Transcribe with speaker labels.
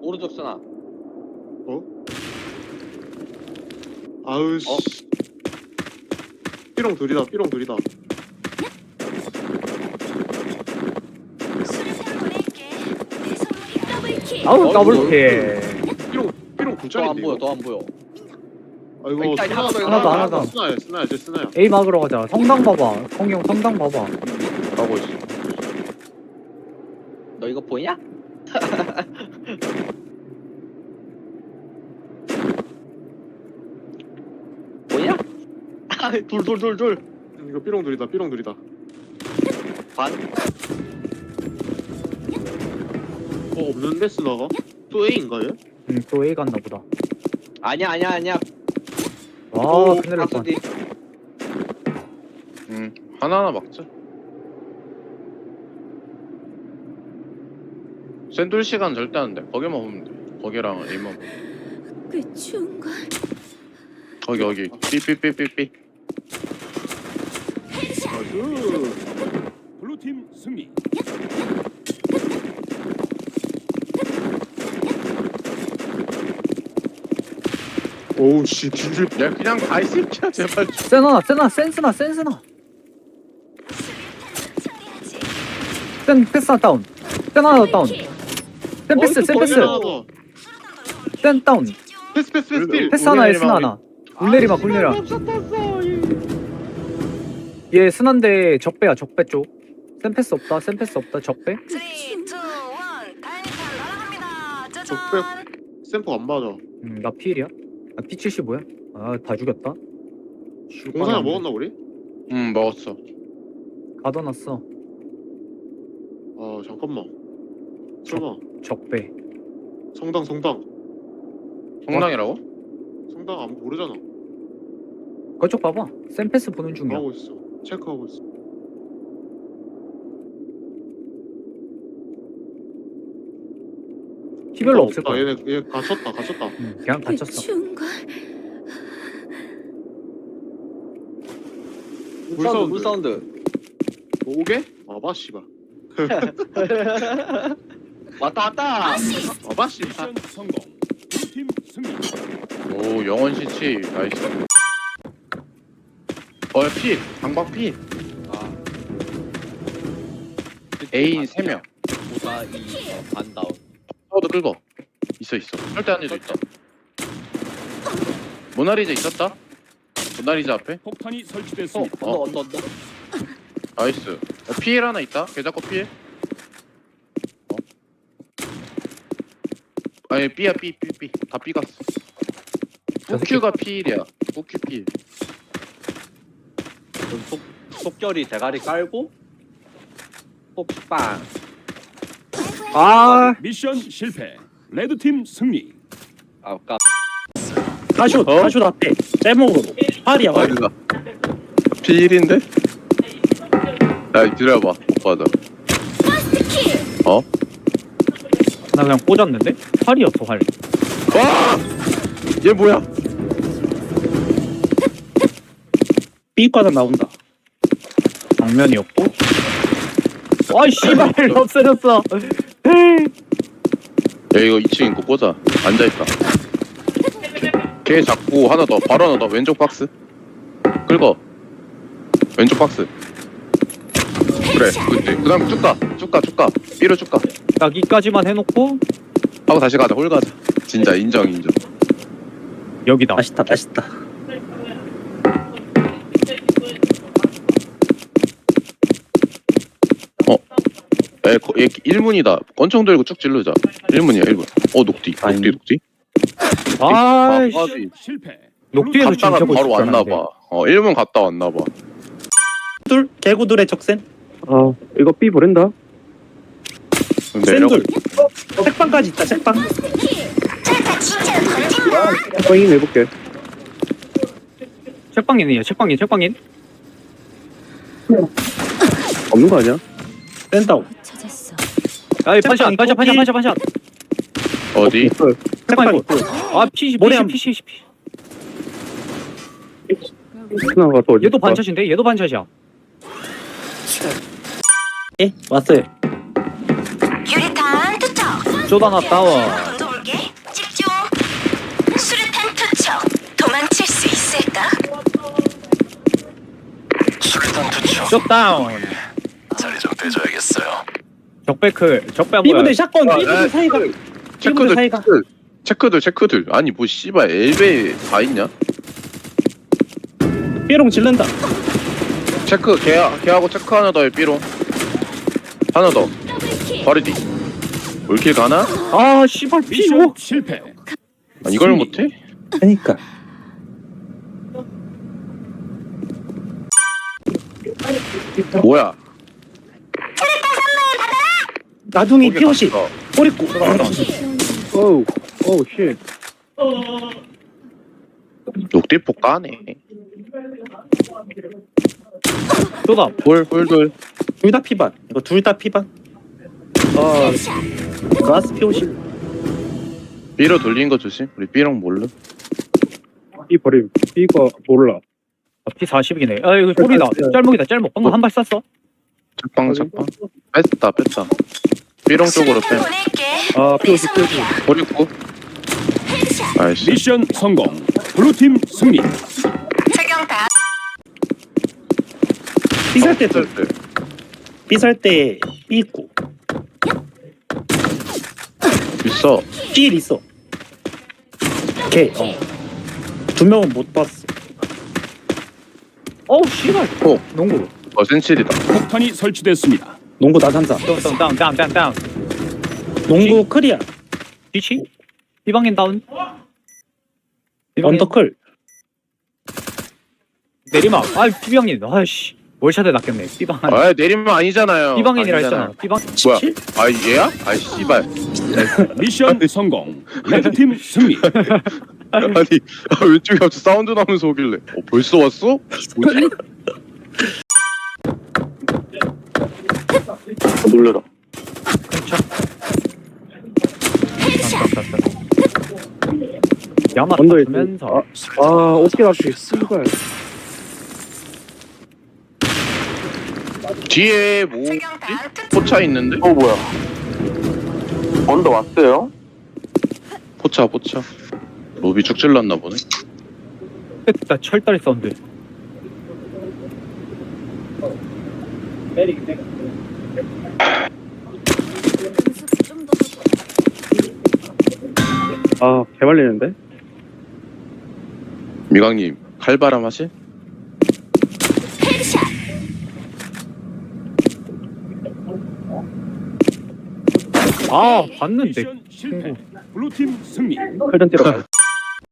Speaker 1: 오른쪽 쓰나.
Speaker 2: 아우 씨. 삐롱 둘이다. 삐롱 둘이다.
Speaker 3: 아우 더블킬.
Speaker 2: 삐롱
Speaker 1: 더 안
Speaker 2: 굴절인데.
Speaker 1: 보여. 더 안 보여.
Speaker 2: 아이고
Speaker 1: 일단 하나 더,
Speaker 3: 하나 더, 하나 더.
Speaker 2: 스나야 스나야 쟤 스나야.
Speaker 3: A 막으러 가자. 성당 봐봐. 성경 성당 봐봐.
Speaker 4: 가고 있어.
Speaker 1: 너 이거 보이냐? 보이냐? 둘.
Speaker 2: 이거 삐롱 둘이다. 삐롱 둘이다.
Speaker 1: 반.
Speaker 2: 없는데 스나가? 또 A인가 얘?
Speaker 3: 또 A 갔나 보다.
Speaker 1: 아니야.
Speaker 3: 와 큰일 날 뻔.
Speaker 1: 박스디.
Speaker 4: 하나하나 막자. 샌돌 시간 절대 안 돼. 거기만 보면 돼. 거기랑 A만 보면.
Speaker 5: 꽤 추운 걸.
Speaker 4: 거기. 삐삐삐삐삐.
Speaker 6: 블루팀 승리.
Speaker 2: 오우 씨 뒤질.
Speaker 4: 야 그냥 가 이 새끼야 제발.
Speaker 3: 센스나 센스나. 센 패스 다운. 센 하나 더 다운. 센 패스 센 다운.
Speaker 2: 패스 필.
Speaker 3: 패스 하나 S 하나. 굴내리마. 얘 스난데 적배야 적배 쪽. 센 패스 없다 적배.
Speaker 5: 3, 2, 1, 다이니탄 날아갑니다. 짜잔.
Speaker 2: 적백 샘플 안 맞아.
Speaker 3: 나 P1이야? 아 P75야? 아 다 죽였다.
Speaker 2: 공사야 먹었나 우리?
Speaker 4: 먹었어.
Speaker 3: 가둬놨어.
Speaker 2: 아 잠깐만. 설마
Speaker 3: 적배.
Speaker 2: 성당
Speaker 4: 성당이라고?
Speaker 2: 성당 안 모르잖아.
Speaker 3: 그쪽 봐봐. 센 패스 보는 중이야.
Speaker 2: 하고 있어. 체크하고 있어.
Speaker 3: 피 별로 없을
Speaker 2: 없다.
Speaker 3: 거야.
Speaker 2: 얘 갇혔다.
Speaker 3: 그냥
Speaker 5: 꽤
Speaker 3: 다쳤어.
Speaker 5: 추운 걸.
Speaker 1: 물 사운드.
Speaker 2: 오게? 아바 씨발.
Speaker 1: 왔다.
Speaker 2: 아바 씨발.
Speaker 6: 미션 성공. 블루팀 승리.
Speaker 4: 오 영원 시치 나이스. 피 방박 피.
Speaker 1: 아.
Speaker 4: A 3명.
Speaker 1: 보다 반 다운.
Speaker 4: 파워도 끌고 있어 절대 안에도 있다. 모나리자 있었다. 모나리자 앞에.
Speaker 6: 폭탄이 설치됐습니다.
Speaker 1: 언더.
Speaker 4: 나이스. 피일 하나 있다. 개 잡고 피일. 아니 B야 B. 다 B 갔어. 우큐가 피일이야. 우큐 피일.
Speaker 1: 속결이 대가리 깔고 폭빵.
Speaker 3: 아
Speaker 6: 미션 실패. 레드팀 승리.
Speaker 1: 아까
Speaker 7: 가슛 앞에 제목으로 팔이야 팔.
Speaker 4: 어디가? 피일인데? 야 기다려봐. 못 받아.
Speaker 7: 나 그냥 꽂았는데 팔이었어 팔.
Speaker 4: 와! 얘 뭐야?
Speaker 7: B과는 나온다. 정면이었고. 와 씨발 없어졌어.
Speaker 4: 야 이거 2층 있고 꽂아. 앉아있다. 걔 잡고 하나 더. 바로 하나 더. 왼쪽 박스. 긁어. 왼쪽 박스. 그래. 그치. 그 다음에 쭉 가. B로 쭉 가.
Speaker 3: 여기까지만 해놓고
Speaker 4: 하고 다시 가자. 홀 가자. 진짜 인정.
Speaker 7: 여기다. 맛있다.
Speaker 4: 얘 1문이다. 권총 들고 쭉 찔르자. 1문이야 1문. 녹디.
Speaker 3: 아이씨
Speaker 4: 아비.
Speaker 6: 실패.
Speaker 3: 녹뒤에서
Speaker 4: 갔다가
Speaker 3: 진짜
Speaker 4: 바로 왔나봐. 1문 갔다 왔나봐.
Speaker 7: 둘 개구둘의 적센.
Speaker 8: 이거 B 보낸다.
Speaker 7: 센둘. 책방까지 있다 책방.
Speaker 8: 확인 해볼게.
Speaker 3: 책방인이야 책방인.
Speaker 8: 없는 거 아니야?
Speaker 7: 센다운.
Speaker 5: 찾았어.
Speaker 3: 아이 반샷.
Speaker 4: 어디?
Speaker 7: 책방 있고.
Speaker 3: 아 P
Speaker 7: 머리 한-
Speaker 3: P
Speaker 8: 스나가 또 어디?
Speaker 3: 얘도 반샷인데 얘도 반샷이야.
Speaker 7: 예 왔어요.
Speaker 5: 유리탄 투척.
Speaker 3: 쪼다나 다운.
Speaker 5: 도망칠 수 있을까?
Speaker 9: 수류탄 투척.
Speaker 7: 셧다운.
Speaker 9: 자리 좀 빼줘야겠어요.
Speaker 7: 적배클. 적배 뭐야?
Speaker 3: 삐부대
Speaker 7: 샷건.
Speaker 4: 삐부대
Speaker 7: 사이가.
Speaker 4: 체크들
Speaker 7: 사이가.
Speaker 4: 체크들 아니 뭐 씨발 엘베 다 있냐?
Speaker 7: 삐롱 질른다.
Speaker 4: 체크 걔하고 체크 하나 더해 삐롱 하나 더 버리디 올킬 가나?
Speaker 7: 아 씨발
Speaker 6: 미션
Speaker 7: 피오.
Speaker 6: 실패.
Speaker 4: 아, 이걸 못해?
Speaker 7: 그니까.
Speaker 4: 뭐야
Speaker 7: 나중에
Speaker 4: 거기
Speaker 7: 피오시.
Speaker 4: 갔어.
Speaker 7: 꼬리꼬.
Speaker 8: 오우 오우 쉣
Speaker 4: 녹디포 까네
Speaker 7: 쏘다.
Speaker 4: 돌
Speaker 7: 둘 다 피반. 이거 둘 다 피반. 아. 가스 피오시.
Speaker 4: 삐로 돌린 거 조심 우리 삐롱 몰라
Speaker 8: B 버림 B가 몰라
Speaker 7: 피 40이네. 아 이거 소리다. 짤목이다. 짤목. 방금 한 발 쐈어.
Speaker 4: 책방 뺐다 삐롱 쪽으로 빼
Speaker 5: 보낼게.
Speaker 8: 아 POC POC
Speaker 4: 버리고 아이씨
Speaker 6: 미션 성공. 블루팀 승리.
Speaker 5: 착용 다.
Speaker 7: 삐살 때 삐살 때 삐있고.
Speaker 4: 있어
Speaker 7: 삐일 있어. 걔. 두 명은 못 봤어. 어우 씨발. 농구.
Speaker 4: 센칠이다
Speaker 6: 폭탄이 설치됐습니다.
Speaker 7: 농구 나산사. 다운. 농구 클리어. 뒤치? 비방인 다운. 언더클. 내리막. 아 비방인. 아이씨. 월샷에 낚였네. 비방.
Speaker 4: 아 내리면 아니잖아요
Speaker 7: 비방인이라
Speaker 4: 아니잖아.
Speaker 7: 했잖아. 비방.
Speaker 4: 뭐야 아 얘야? 아이 씨발
Speaker 6: 미션 성공. 레드팀 승리.
Speaker 4: 아니 왼쪽에 갑자기 사운드 나면서 오길래 벌써 왔어? 뭐지?
Speaker 8: 놀래라
Speaker 7: 야마
Speaker 8: 언더에
Speaker 7: 타면서.
Speaker 8: 아 오케이 앞에 씨발
Speaker 4: 뒤에 뭐
Speaker 5: 착용 다.
Speaker 4: 포차 있는데?
Speaker 8: 뭐야 언더 왔어요?
Speaker 4: 포차 로비 쭉 찔렀나 보네
Speaker 7: 나 철다리 사운드.
Speaker 8: 아 개말리는데?
Speaker 4: 미광님 칼바람 하실?
Speaker 7: 아 봤는데.
Speaker 6: 미션 실패. 블루팀 승리.
Speaker 8: 칼전 때려